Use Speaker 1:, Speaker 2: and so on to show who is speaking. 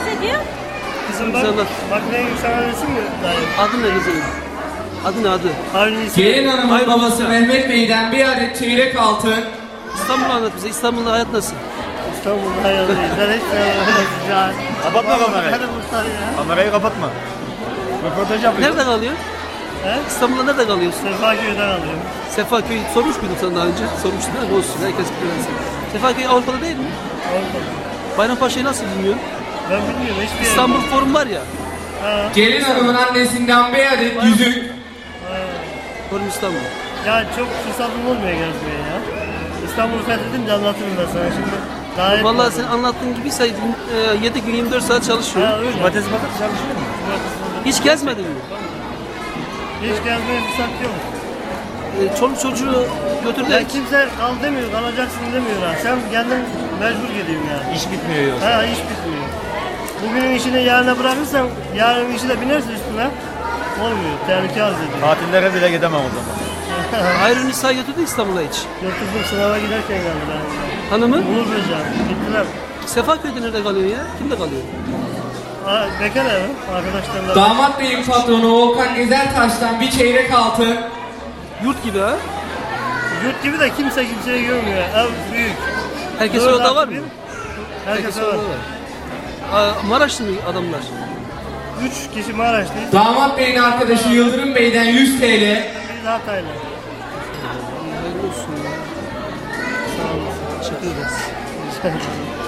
Speaker 1: ediyor?
Speaker 2: Kızım bak, bak ne sana resim mi dayı?
Speaker 3: Adı ne kızım? Adı ne adı?
Speaker 2: Aynı isim.
Speaker 4: Gelin hanımın babası Mehmet Bey'den bir adet çeyrek altın.
Speaker 3: İstanbul'u anlat bize. İstanbul'da hayat nasıl?
Speaker 2: İstanbul'da hayalıyız. Ben hiç sevmem.
Speaker 5: Kapatma kamerayı.
Speaker 2: Hadi Mustafa ya.
Speaker 5: Kamerayı kapatma. Röportaj yapıyor.
Speaker 3: Nerede kalıyor?
Speaker 2: He?
Speaker 3: İstanbul'da nerede kalıyorsun?
Speaker 2: Sefaköy'den alıyorum.
Speaker 3: Sefaköy sormuş muydum sana daha önce? Sormuştun değil mi? Olsun. Herkes biliyor. Sefaköy Avrupa'da değil mi?
Speaker 2: Avrupa'da.
Speaker 3: Bayrampaşa'yı nasıl bilmiyorsun?
Speaker 2: Ben bilmiyorum hiçbir yer.
Speaker 3: İstanbul Forum var ya.
Speaker 2: Ha.
Speaker 4: Gelin hanımın annesinden bir adet yüzük.
Speaker 3: Forum İstanbul.
Speaker 2: Ya çok fırsatım olmuyor gezmeye ya. İstanbul'u fethedince anlatırım ben sana şimdi. Daha hep
Speaker 3: Vallahi
Speaker 2: var.
Speaker 3: sen anlattığın gibi 7 gün 24 saat çalışıyor.
Speaker 2: Ha öyle.
Speaker 5: Cumartesi pazartesi çalışıyor mu?
Speaker 3: Hiç gezmedin mi?
Speaker 2: Hiç gezmeye fırsat yok.
Speaker 3: Çoluk çocuğu götür
Speaker 2: Ya
Speaker 3: de
Speaker 2: kimse kal demiyor, kalacaksın demiyor ha. Sen kendin mecbur gidiyorsun yani.
Speaker 5: İş bitmiyor yoksa.
Speaker 2: Ha iş bitmiyor. Bugünün işini yarına bırakırsan yarın işi de binersin üstüne. Olmuyor, tehlike arz ediyor.
Speaker 5: Tatillere bile gidemem o zaman.
Speaker 3: Hayri Nisa götürdü İstanbul'a hiç.
Speaker 2: Götürdüm sınava giderken geldi ben.
Speaker 3: Hanımı?
Speaker 2: Uğur Böceğim, gittiler.
Speaker 3: Sefaköy'de nerede kalıyor ya? Kimde kalıyor?
Speaker 2: Ha, bekar evi, arkadaşlarla.
Speaker 4: Damat Bey'in patronu Volkan Gezertaş'tan bir çeyrek altın.
Speaker 3: Yurt gibi ha?
Speaker 2: Yurt gibi de kimse kimseyi görmüyor. Ev büyük.
Speaker 3: Herkesin
Speaker 2: Dört
Speaker 3: orada var
Speaker 2: artı
Speaker 3: mı?
Speaker 2: bir. Herkes var.
Speaker 3: orada var. Maraşlı mı adamlar?
Speaker 2: 3 kişi Maraşlıyız.
Speaker 4: Damat Bey'in arkadaşı Yıldırım Bey'den 100 TL.
Speaker 2: Biz Hataylı.
Speaker 3: Hayırlı olsun ya. Teşekkür ederiz.